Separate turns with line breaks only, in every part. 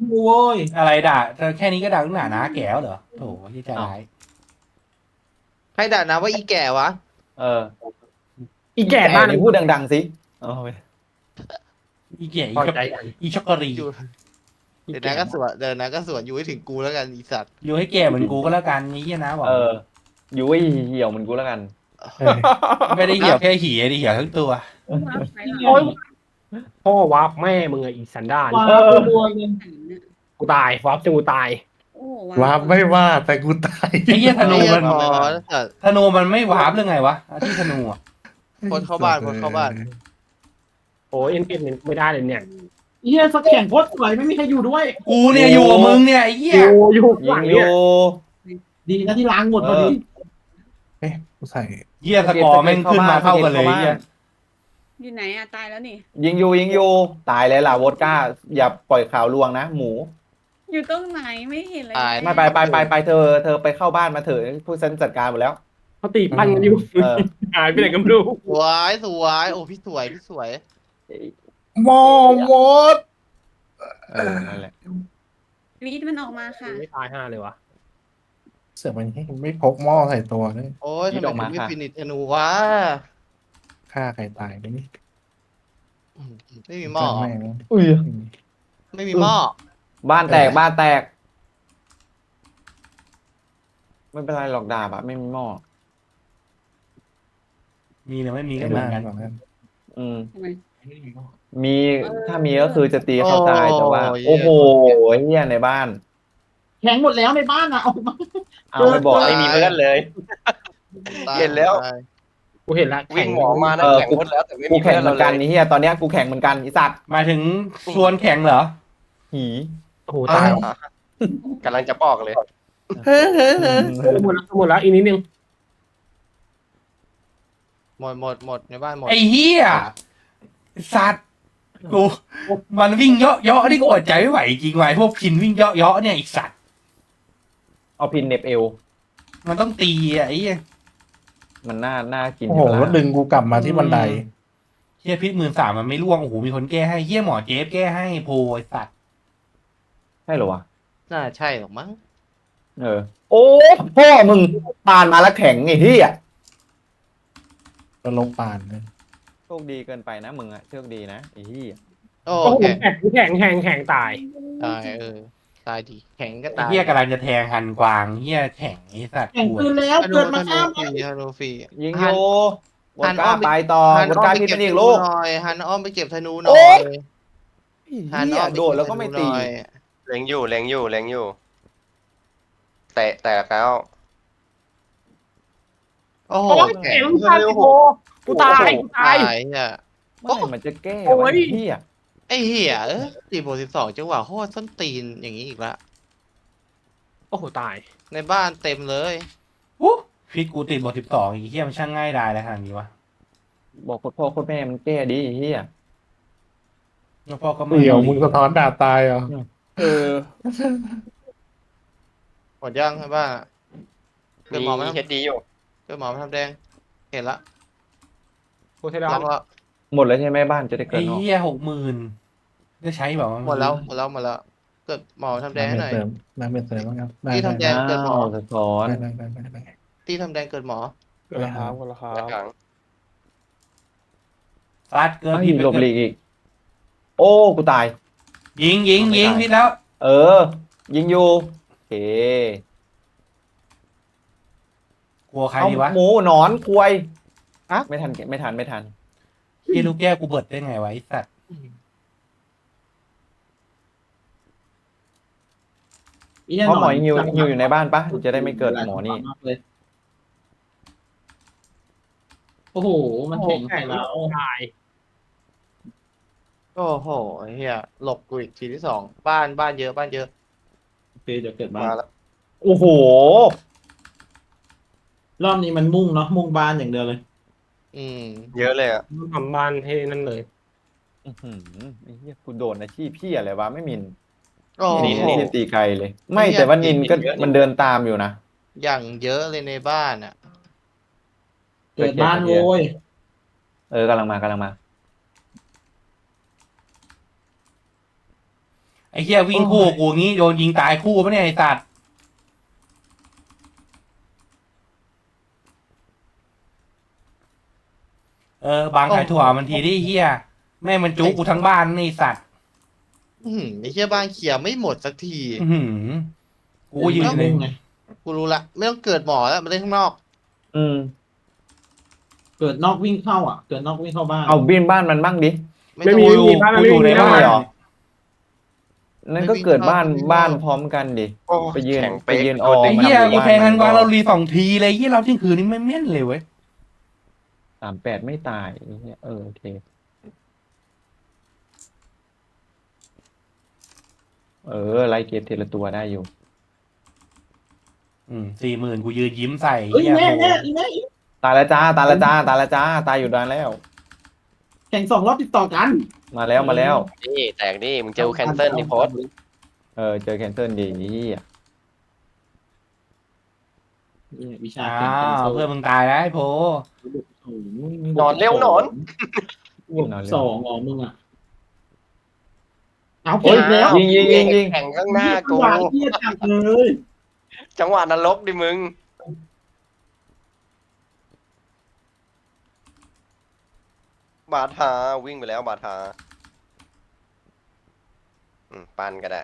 กูโว้ย
อะไรด่าเธอแค่นี้ก็ด่าตั้งหนานะแก้วเหรอโถที่ใจ
อ้าว
ร้าย
ใครด่านะว่าอีแก่วะ
เออ
อีแก่บ้าน
นี่พูดดังๆสิเอาไป
อีเก๋
พอใจกัน
อีช็อกโกรี
อยู่
อี
เดี๋ยว
แก่
นะก็สวนเดี๋ยวนะก็สวนอยู่ให้ถึงกูแล้วกันอีสัตว์
อยู่ให้แก่เหมือนกูก็แล้วกันนี้นะบอก
เอออยู่ไอ้เหี่ยวเหมันกูแล้วกัน
ไม่ได้เหี่ยวแค่หี่ดิเหี่ยวทั้งตัว
โอ้ยพ่อวาร์ปแม่มึงไงอีสันดาน
ว้าตัวเลย
กูตายวาร์ปจนกูตาย
โอ้โห
ว้าไม่ว่าแต่กูตาย
ไอ้เหี้ยธนู
ไอ้เหี้ย
มัน
พอสัตว์
ธนูมันไม่วาร์ปหรือไงวะที่ธนูอ่ะ
คนเข้าบ้านคนเข้าบ้าน
โอ้ยเอ็นไม่ได้เลยเนี่ย
เฮียสักแข่งโคตรสวยไม่มีใครอยู่ด้วย
กูเนี่ยอยู่กับมึงเนี่ยไอ้เหี้ย
อยู่ห
ยิ
ลั
ง
ง
อ
เนี่ย
ยู่
ดีนะที่ล้างหมดพอดีเอ๊ะกูใส่
เหี้ยสกอร์แม่งขึ้นมาเข้ากันเลยเหี้ย
อยู่ไหนอะตายแล้วนี่
ยิงอยู่ตายเลยล่ะวอดก้าอย่าปล่อยข่าวลวงนะหมู
อยู่ตรงไหนไม่เห็นเลย
ไม่ไปเธอไปเข้าบ้านมาเถอะผู้ฉันจัดการหมดแล้ว
เขาตีปั้นกันอยู่
เออ
หายไปไหนก็ไม่รู้
สวยสวยโอ้พี่สวยพี่สวย
มอมด
เออนั่นแหละ
วีดมันออกมาค่ะ
ไม่ตาย5เลยวะ
เสือกมันไม่พกหม้อใส่ตัวเลย
โอ้ยทำไมถึงไม่ฟินิชธนูวะ
ฆ่าใครตายไปนี่
ไม่มีหม้อ
แม่ง
อุ้ย
ไม่มีหม้อ
บ้านแตกไม่เป็นไรหรอกดาบอะไม่มีหม้อ
มีหรือไม่มีก็
ไอ้
เหมื
มา
อนกัน
บอกกัน
อืม
ทำไม
มีถ้ามีก็คือจะตีเขาตายแต่ว่า โอ้โหเฮียในบ้าน
แข็งหมดแล้วในบ้านอ่ะออกมา
เอาไปบอก
ไม่มีเพื่อนเลย
ตาย
เห็นแล้ว
ตาย
กูเห็นละ
วิ่งหมอมานะ
เออ
แข่งหมดแล้วแต่ไม่
กู
มี
แข่
เพื่
ง
อน
เหมื
เรา
อน
เล
กัน
ย
นี่เฮียตอนเนี้ยกูแข่งเหมือนกันไอีสัตว์
หมายถึงชวนแข่งเหรอ
หี
โอ้โหตาย
กำลังจะบอกเลย
หมดแล้วอีกนิดนึง
หมดในบ้านหมด
ไอ้เหี้ยสัตว์กูมันวิ่งเยาะนี่กูอดใจไม่ไหวจริงว่ะไอ้พวกพินวิ่งเยาะเนี่ยอีกสัตว์
เอาพินเหน็บเอว
มันต้องตีอ่ะไอ้เหี้ย
มันน่ากิน
โอ้โห
ใช่ปะ
แล้ว
ล่ะ
ดึงกูกลับมาที่บันได
เหี้ยพิษ13,000มันไม่ร่วงโอ้โหมีคนแก้ให้เหี้ยหมอเจฟแก้ให้โพไอ้สัตว์
ใช่เหรอวะ
น่าใช่หรอกมั้ง
เออ โอ้พ่อมึงปานมาแล้วแข็งไอ้เฮีย
ก็ลงปานเลย
โชคดีเกินไปนะมึงอะโชคดีนะไอ้เฮีย
โอ้
โอ้โห
แข็ง
แข่งตาย
ตายตายดีแข็งก็
ไอ้
ตาย
เหี้ยกำลังจะแทงฮันกวางเหี้ยแข่งไอ้สัตว์
แข่ง
ป่ว
คื
ย
นแล้ว
ธนู
เกิด
ธ
มา
นู
ข้าม
ฟรีธนูฟรี
ยิง
หั
โย
น
วอดก้าไปต่อ
หัน
วอด
อ้อ
ก้าม
ไป
พิษ
เก็บ
มันอีก
ธนู
ลูก
หน่อยหันอ้อมไปเก็บธนูหน่
โอ๊
อย
ย
หัน
เฮี
อ้อย มไป
โดดแล้วก็ไม่ตี
เบธนูหน่อย
เล็งอยู่ แตะแล้ว
โอ้โห
โอ้ย
แข็
เก่
ง
งมากโอ้กูตาย
ตายเนี่ย
เมื่อไหร่มันจะแก้
โอ้
วะ
ย
ไอ้เฮีย
ไอ้เหี้ย4 บวก 12จังหวะโคตรส้นตีนอย่างนี้อีกละ
โอ้โหตาย
ในบ้านเต็มเลย
อู้พิษกูติดบท12อีกเหี้ยมันช่างง่ายดายอะไรขนาดนี้วะ
บอกโคตรพ่อโคตรแม่มันแก้ดีไอ้เฮีย
แล้วพ่อก็ไม่
เดี๋ยวมึงสะท้อนด่าตายเหรอ
เออ
หมดยังในบ้านอะเกิดหมอไหม
มีเฮดดีอยู่
เกิดหมอมาทำแดง เห็นละ
กูใช่แล้ว
ล็อกแล้ว
หมดแล้วใช่ไหมบ้านจะได้เกิ
ไอ้
นออก
เหี้ย60,000ได้ใช้แบบ
หมดแล้วเกิดหมอทำแดงให้หน่อย
น้ำเป็นเสริมบ้างครับได้
ที่ทำแดง เกิดหมอ
สะท้อน
ได้
ที่ทำแดงเกิดหมอ
กูละครับกูละครั
ด้าน
บ
หลัง
ซัดเกิน
ไอ้
ผิด
หลบหลีกอีก โอ้ กูตาย
ยิงพิษแล้ว
เออ ยิงอยู่โอเค
กลัวใคร
เอา
ดีวะ
หมูหนอนควย
อะ
ไม่ทันไม่ทัน
เหี้ยลูกแก้วกูเบิดได้ไงวะไอ้สัตว์
เพราะหมอยิงอยู่ในบ้านปะจะได้ไม่เกิดหมอนี่
โอ้โห มันแข็งใส่เรา
ตาย
โอ้โหเฮียหลบกูอีกทีที่สองบ้านเยอะ
โอเคเดี๋ยวเกิดบ้า
มาน แล้ว
โอ้โห
รอบนี้มันมุ่งเนาะมุ่งบ้านอย่างเดียวเลย
อืม
เยอะเลยอ่ะ
ทำบ้านให้นั่นเลย
อื้อหือไอ้เหี้ยกูโดนอาชีพพี่อะไรวะไม่มิน
โอ้
นี่
โห
นี่ตีไกลเลย ไม่แต่ว่านินก็มันเดินตามอยู่นะ
อย่างเยอะเลยในบ้านอ่ะ
เกิดบ้านโว้ย
กำลังมา
ไอ้เหี้ยวิ่งคู่กูงี้โดนยิงตายคู่ปะเนี่ยไอ้สัตว์บางขายถั่วมันทีดิเหี้ยแม่งมันจุกกูทั้งบ้านนี่ไอ้สัตว์
ไอ้เหี้ยบ้านเขียไม่หมดสักที
อื้อหือกูยืนเลย
ไง
กูรู้ละไม่ต้องเกิดหมอแล้วมาเล่นข้างนอก
อืม
เกิดนอกวิ่งเข้าอ่ะ เกิดนอกวิ่งเข้าบ้าน
เอาบินบ้านมันบ้างดิ
ไม่
ไม่
ต้อง
มี
กู
ไม่มีบ้าน
กู
ไม่
อยู่
มี
ใน
บ้า
บ้าน
น
เหรอ นั่นก็เกิดบ้านพร้อมกันดิ
โอ้
ไปยืน
แข็ง
ไป
เป๊ก
ยืน
ตัว
ออ
เด็
ไอ้
ก
เหี้ย
มัน
กู
บ้าน
แทงกัน
มัน
วางเรารี2 ทีเลยเหี้ยเราเที่ยงคืนนี้ไม่แม่นเลยเว้ย
38ไม่ตายไอ้เหี้ยโอเคไล่เกมทีละตัวได้อยู่
40,000กูยืนยิ้มใส่
เฮ้ย
เหี้ย
แม่
โห
แม่แม่
ตายแล้วจ้าตายแล้วจ้าตายแล้วจ้าตายอยู่นานแล้ว
แข่ง2 รอบติดต่อกัน
มาแล้วมาแล้ว
นี่แตกดิมึงเจอแคนเซิลดิโพส
เจอแคนเซิลดีนี่
วิชา
อ้าวเพื่อนมึงตายแล้วไอ้โพ
นอนเร็วนอน
2อ๋อมึงอ่ะเอาเก่งแล้ว
ยิง
แข่งข้างหน้ากู
หวานเทียจังเลย
จังหวะนรกดิมึง บาทาวิ่งไปแล้วบาทาปันก็ได้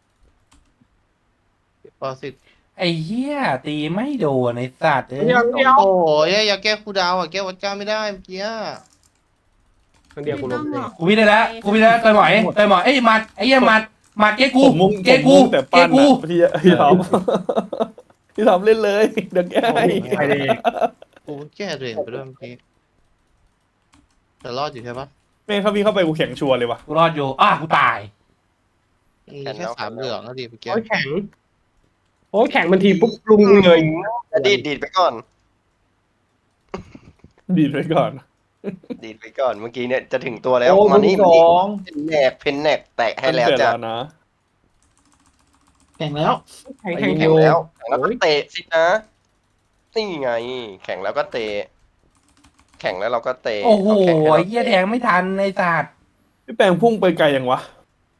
ปอสิทธิ์
ไอ้เหี้ยตีไม่โดนไอ้สัตว์เอ้ย
เดียวเดียว
โอ้ยอย่าแก้คูลดาวน์อ่ะแก้วัดก้าไม่ได้เมื่อกี้
คนเดียวกูลงเอง
กูวิ่งได้แล้วเตยหมอยเอ้ยหมัดไอ้เหี้ยหมัดเก๊กูเก๊กู
แต่
เก๊
ปั้น
กู
อะพี่ทำพี่ทำเล่นเลย เดี๋ยวแก้ให้
ไปเลย
กูแก้ตัวเองไปด้วยเมื่อกี้แต่รอดอยู่ใช่ปะ
แม่งเขาวิ่งเข้าไปกูแข็งชัวร์เลยว่ะ
กูรอดอยู่กูตาย
มีแค่3เหลืองแล้วดิเมื่อกี้
โอ้ยแข็งโอ้ยแข็งมันทีปุ๊บลุงเลย
ดีดไปก่อน
ดีดไว้ก่อน
ดีดไปก่อนเมื่อกี้เนี่ยจะถึงตัวแล้ว
โอ้
มานี่
ส
มา
อ
นี่
ง
เพนแนกแตะให้แล้ว
เกิด
จ้ะ
แล้วนะ
แข่งแล้ว
แข็งแข็ง
แข่งแล้วก็เตะสินะนี่ไง แข่งแล้วก็เตะแข่งแล้วเราก็เตะ
โอ้โห
เาแข่งให้
ไอ้
เรา
เหี้ยแทงไม่ทันไอ้สัตว์
พี่แปลงพุ่งไปไกลยังวะ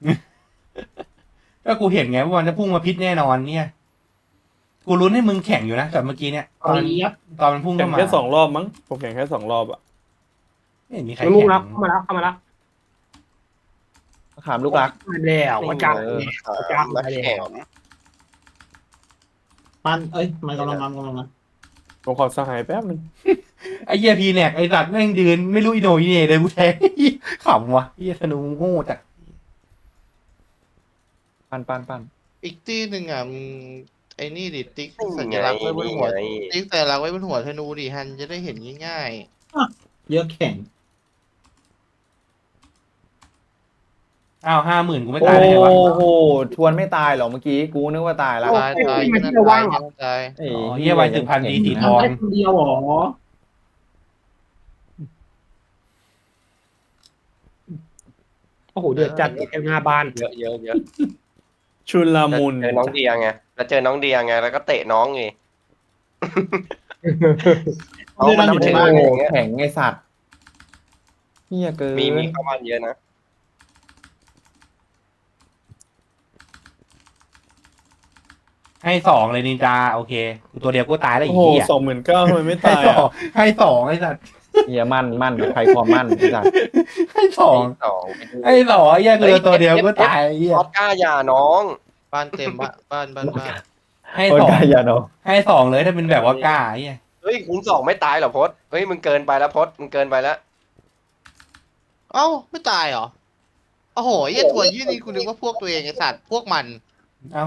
ก็กูเห็นไงว่ามันจะพุ่งมาพิษแน่นอนเนี่ยกูลุ้นให้มึงแข่งอยู่นะแต่เมื่อกี้เนี่ยตอน
เรียบ
มันพุ่ง
แข่
เข้าง มา
แค่2 รอบมั้ง ผมแข่งแค่2 รอบอะ
ไม่เห็นมีใคร
มันลุง
แข่
แล้ว
ง
เข้ามาแล้วเข้ามาแล้ว
ขามลูกรัก
มาแล้ววัดก้า
มาแข่ง
ปันมันกำลังมา
ผมขอสหายแป๊บนึง
ไอ้เหี้ยพีแนกไอ้สัตว์แม่งยืนไม่รู้อีโหนอีเหน่เลยกูแทง ขำวะเหี้ยธนูโง่จัด
ปั้น
อีกที่หนึ่งอ่ะมึงไอ้นี่ดิติ๊ก
นี่
สั
ไง
ญลักษณ์ไว้บน
นี่
หัว
ไง
ติ๊กสัญลักษณ์ไว้บนหัวธนูดิฮันจะได้เห็นง่าย
เยอะแข่ง
50,000กูไม่
โอ้
ตายได้ไงวะ
โหทวนไม่ตายหรอเมื่อกี้กูนึกว่าตายแล้ว
ๆตายตายนั่นตายนั่นตาย
ไอ้
เหี้ยไวถึงพันดีสีทอง
ได้คนเดียวหรอ
โอ้โหเดือดจัดเอ็มหน้าบ้าน
เยอะ
ชุนลามุน
เจอน้องเดียไงแล้วเจอน้องเดียไงแล้วก็เตะน้องไงน้องมันนับถือ
โอ้
ไง
โห
อย่างเงี้ย
แข็งไอสัตว์เฮียเกิน
มีเข้ามาเยอะนะ
ให้2เลยนินจาโอเคกูตัวเดียวกูตายแล้ว
โอ้
อี
โห
กเหี้ย
29,000ทำไมไม่
ให้
ตาย
สอ
อะ
งให้2ไอ้สัตว์
เฮียมั่นใครความมั่นไอสัตว์
ให้สอง
สอง
ไอ้เหี้ยคือตัวเดียวกูตายไอ้เหี้ย
ออสการ์อย่าน้อง
บ้านเต็มบ้าน
ให้
โอ้
ส
ย
อง
กายยาโน
ให้2เลยถ้าเป็นแบบว่ากล้าไอ้เหี้ย
เฮ้ยคูณ 2ไม่ตายเหรอพศเฮ้ยมึงเกินไปแล้วพศมึงเกินไปแล้ว
เอ้าไม่ตายเหรอโอ้โหไอ้ถั่วยี่นี่กูนึกว่าพวกตัวเองไอ้สัตว์พวกมัน
เอา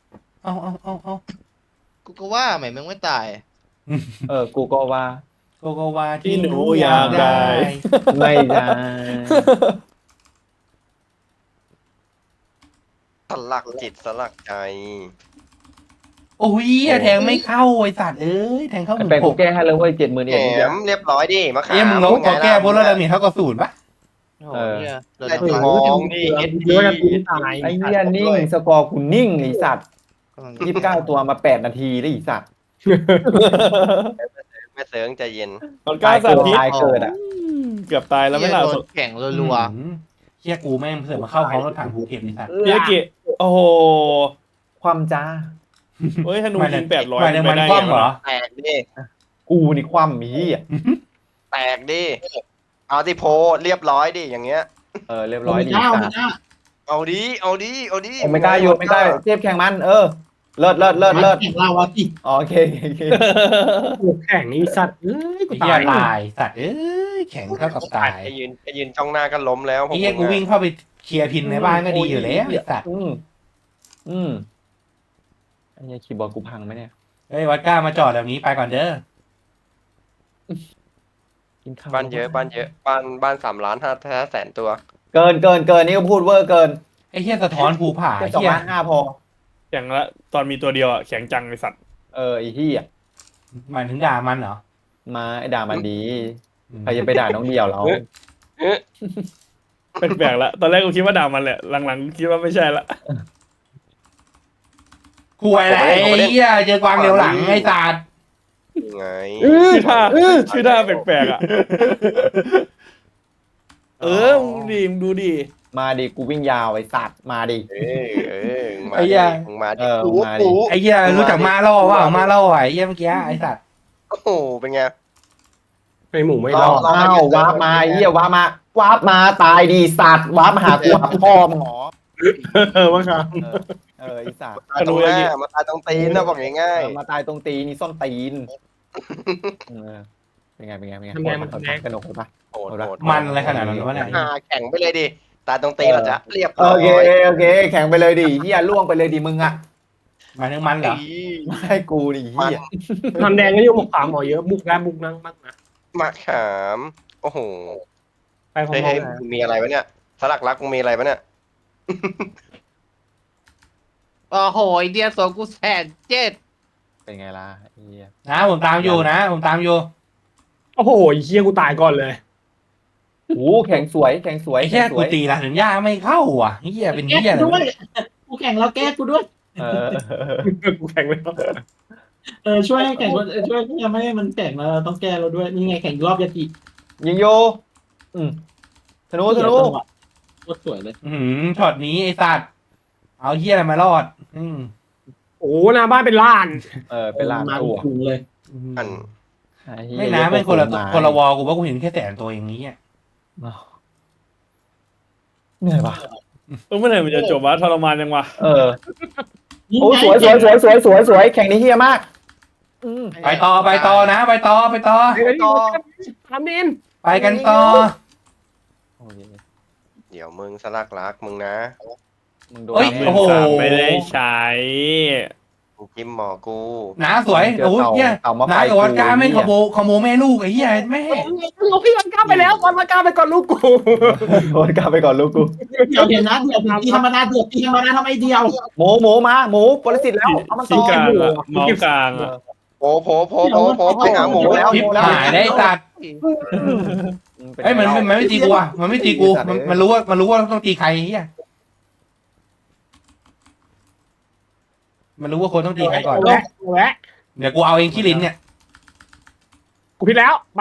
กูก็ว่าทำไมมึงไม่ตาย
กูก็ว่า
โกโกวาที่
ที่หนูอยากได้
ไม่ได้
สลักจิตสลักใจ
โอ้ยแทงไม่เข้าไอ้สัตว์เอ้ยแทงเข้า
ไอแปลงกูแก้ให้เลยเว้ย70,000
แห
เอ็ด
มเรียบร้อยดิมะขาม
เอ้ยมึงลบขอแก้บนแล้วดาเมจเท่ากับ0ปะ
โอ้โหเนี่ยเรา
แต่
จะ
ทองดิเอส
เยอะกันทีตาย
ไอ้เฮียนิ่งสกอร์กูนิ่งไอสัตว์
กำลัง
29 ตัวมา8 นาทีได้อีสัตว์
แม่เสริงใจเย็น
ตอนก้าวสาธิต
ตายเกิดอ่ะ
เกือบตายแล้วไม่
เหี้ย
ล่ะ
โดนแข่งรัว
อืมเฮีชี่ยกูแม่งเสือกมาเข้าพร้อมรถถังภูเก็ตไอ้สัตว์
พี่อากิโอ้โห
ความจ้า
เฮ้ยธนูยิง800
หมายถึงมันคว่ำเหรอ
แตกดิ
กูนี่ความมีอ่ะ
แตกดิเอาที่โพเรียบร้อยดิอย่างเงี้ย
เรียบ
โอ
ร้อย
เม
ดี
ก้าโอ
สั
เม
ตว์
ก้า
เอาดิเอาดิเอาดิ
ผมไม่กล้าอยู่ไม่กล้าเทียบแข่งมันเลิศ
แข่งเราอะสิ
โอเค
โอ้แข่งนี่สัตว์เอ้ยกู
ไอ้เหี้ย
ตาย
ตายสัตว์เอ้ยแข็งเท่ากับตาย
ไปยืนจ้องหน้ากันล้มแล้ว
ไอ้เหี้ยกูวิ่งเข้าไปเคลียร์พินในบ้านก็ดีอยู่แล้วไอ้สัตว์
ไอ้เหี้ยคีย์บอร์ดกูพังไหมเนี่ย
เฮ้ยวัดก้ามาจอดแบบนี้ไปก่อนเด้อ
กินข้าว
บ้านเยอะบ้าน3,500,000ตัว
เกินนี่ก็พูดเวอร์เกิน
ไอ้เหี้ยสะท้อนภูผา
แค่
ไอ้เหี้ย
2,500,000พอ
แข่งละตอนมีตัวเดียวอ่ะแข็งจังไอสัตว์
ไอ้เหี้ย
หมายถึงด่ามันเหรอ
มาไอ้ด่ามันดีใครจะไปด่าน้องเดียวเรา
แปลกๆละตอนแรกกูคิดว่าด่ามันแหละหลังๆคิดว่าไม่ใช่ละ
กูอะไรไอ้เหี้ยเจอกวางเร็วหลังไอ้สัตว์
ยังไง
ชื่อท่าแปลกๆอ่ะมึงดูดิ
มาดิกูวิ่งยาวไอ้สัตว์มาดิ
มาดิมึงมาดิ
มาดิ
ไอ้เหี้ยรู้จักมาล่อว่ามาล่อไอ้เหี้ยเมื่อกี้ไอ้สัตว์
โอ้โหเป็นไง
ไอหมูไม่
อ้
รอด
าววาร์ปมาไอ้เหี้ยวาร์ปมาตายดีสัตว์วาร์ปมาหากูหาพ่อมึงหรอ
ว่าครับ
ไอ้สัตว์
ตายตรงหน้ามาตายตรงตีนนะบอกง่าย
มาตายตรงตีนี่ซ่อนตีนเป็นไงกระหนกปะ
ๆโหด
มันอะไรขนาดนั้นวะเนี่ย
แข่งไปเลยดิตายตรงตีนเราจะเรียบร้
โอ
อย
เคแข่งไปเลยดิเหี้ยล่วงไปเลยดิมึงอ่ะ
หมายถึงมันเหรอ
ไม่ให้กูดิเหี้ย
ทำแดงก็ยุ่งหมกขามหมอเยอะมุกแล้วมุกนั่งมากนะ
มาขามโอ้โห
ไปพร้อ
เฮ้ย
ม
มึงมีอะไรวะเนี่ยสลักรักมึงมีอะไรวะเนี่ย
โอ้โหไอเดียสวนกู1,700,000
เป็นไงล่ะเหี้ย
นะผมตามอยู่นะผมตามอยู่
โอ้โหเฮียกูตายก่อนเลย
โอ้แข่งสวย
ไอ้เหี้ยกูตีหลังถึงย่าไม่เข้าอ่ะเหี้ยเป็น
แก้
เหี้ย
กู
อะไร
ด้วยกูแข่งแล้วแก้กูด้วย
กูแข่งแล้ว
ช่วยให้แข่งช่วยยังไม่ให้มันแข่งเราต้องแก้เราด้วยนี่ไงแข่งรอบยาติ
ยิงโยธนู
โคตรสวยเลย
ช็อตนี้ไอ้สัตว์เอาเหี้ยอะไรมารอด
โอ้หน้าบ้านเป็นล้าน
เป็นลาน
มา
ตัว
คุงเลย
อัน
ไม่นะไม่คนละวอกูว่ากูเห็นแค่100,000ตัวอย่างนี้อ่ะ
เหนื่อยปะ
เมื่อไหร่มันจะจบวะทรมานยังวะ
โอ้สวยแข่งนี้เฮียมาก
ไปต่อนะไปต่อ
ทำนิน
ไปกันต่อ
เดี๋ยวมึงสลักรักมึงนะ
เฮ้ยโอ้โห
ไม่ได้ใช้
มึงจิ้มหมอกู
น้าสวยโอ้ยเหี้ยน้ากับวัดก้าไม่ขโมยแม่ลูกไอ้เหี้ยแม่
ลูกพี่วันก้าไปแล้ววันมาก้าไปก่อนลูกกู
โดนกลับไปก่อนลูกกู
เดี๋ยวนะเดี๋ยวตีธรรมดาทำไมเดียว
หมูมาหมูปรสิตแล้วเอามา
ซี
ต่อก
ลางอะเมาส์กลางอะ
โผไปหาหมูแล้ว
ทิพหายได้สัตว์เอ้ยมันไม่ตีกูอ่ะมันไม่ตีกูมันรู้ว่าต้องตีใครเหี้ยมันรู้ว่าคนต้องตีใครก่อน
แวะ
เดี๋ยวกูเอาเองขี้ลิ้นเนี่ย
กูผิดแล้วไป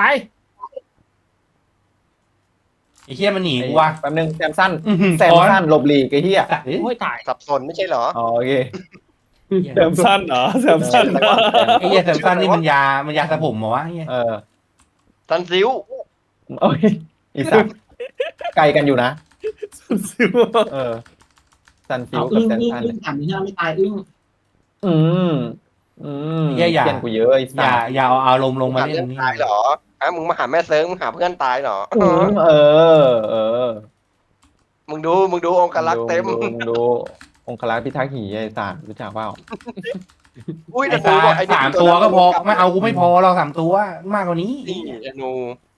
ไอ้เหี้ยมันหนีกูว่ะ
แป๊บนึงแซมสั้นหลบหลีกไอ้เหี้ย
สัตว์เอ้ย
โอ้ยตาย
สับสนไม่ใช่เหรอ
โอเค
แซมสั้นเหรอแซมสั้นเหรอ
ไอ้เหี้ยแซมซันนี่มันยาสระผมเหรอวะไอ้เหี้ย
ตันซิว
โอ้ยอีสัตว์ไกลกันอยู่นะซันฟิ
เอา
วกับ
อึ้ง
แซม
อึ้ง
สั้น
อึ้งถามนี่ไม่ตายอึ้ง
เพี้ยนกูเยอะไอ้สัตว์
อย่าเอาลมลงมา
หา
เล่
เพื่อน น
นี่
ตายเหรอมึงมาหาแม่เซิร์งมึงหาเพื่อนตายเหรอ มึงดูองค์กรักษ์เต็ม
มึงดูองคลักษ์พิทักษ์หีไอ้สัตว์รู้จักเปล่า
อุ้ย
ไอ้
แต่
ตา
บอกไอ้
3 ตัวก็พอไม่เอากูไม่พอเรา3 ตัวมากกว่านี้
นี่ธนู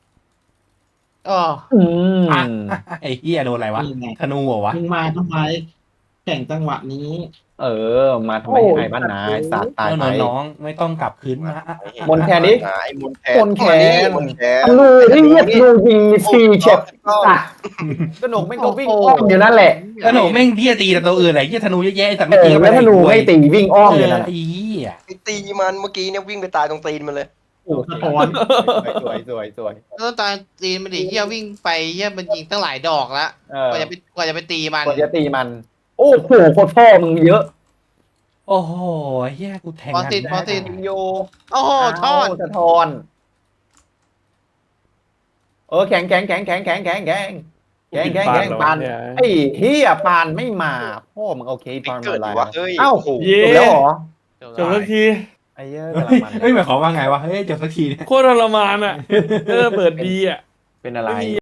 ไอ้เหี้ยโดนอะไรวะ
นี่ไง
ธนูเหรอวะ
มึงมาทำไมแข่งจังหวะนี้
มาทำไมไอ้บ้านนาไอ้สัตว์ตายไป
น้องไม่ต้องกลับคืนมา
มนแคนดิ
ไอ้มนแคน
มนแคน
มนแคน
ลูที่เงียบลูยิงฟรีเช็ดสัตว์กระหนกไม่ก็วิ่งอ้อมอยู่นั่นแหละ
ธนูแม่งที่จะตีแต่ตัวอื่นอะไรที่ธนูแย่ๆแต่ไม่ตี
แล้วธนูไม่ตีวิ่งอ้อมอยู่นั่น
ไอ้เหี้ย
ไปตีมันเมื่อกี้เนี่ยวิ่งไปตายตรงตีนมันเลย
โอ้สะท้อน
สวยสวยสวย
แล้วตอนตีมันดิเฮียวิ่งไปเฮียมันยิงตั้งหลายดอกแล้ว
เออก
ว่าจะไปตีมัน
กว่าจะตีมัน โอ้โหโคตรพ่อมึงเยอะ
โอ้โหเฮียกูแทง
พอติด
ได้
พอติด
โย
โอ้โหทอด
สะท้อนแข็งแข็งแข็งแข็งแข็งแข็งแข็งแข็งแข็งแข็งปานไอ้เฮียปานไม่มาพ่อมึงโอเค
ติ๊
ปาก น
เกิด
มา
อยู่
แล้ว
วะเฮ้ย
เอ้า
โอ้โห
เย้
จบแล้วเหรอ
จบสักที
ไอ้เหี้ย
เฮ้ย
กำลังมัน
เฮ้ยหมายความว่าไงวะเฮ้ยจบสักทีเนี่ย
โคตรทรมานอ่ะเออเปิดดีอ่ะ
เป็นอะไร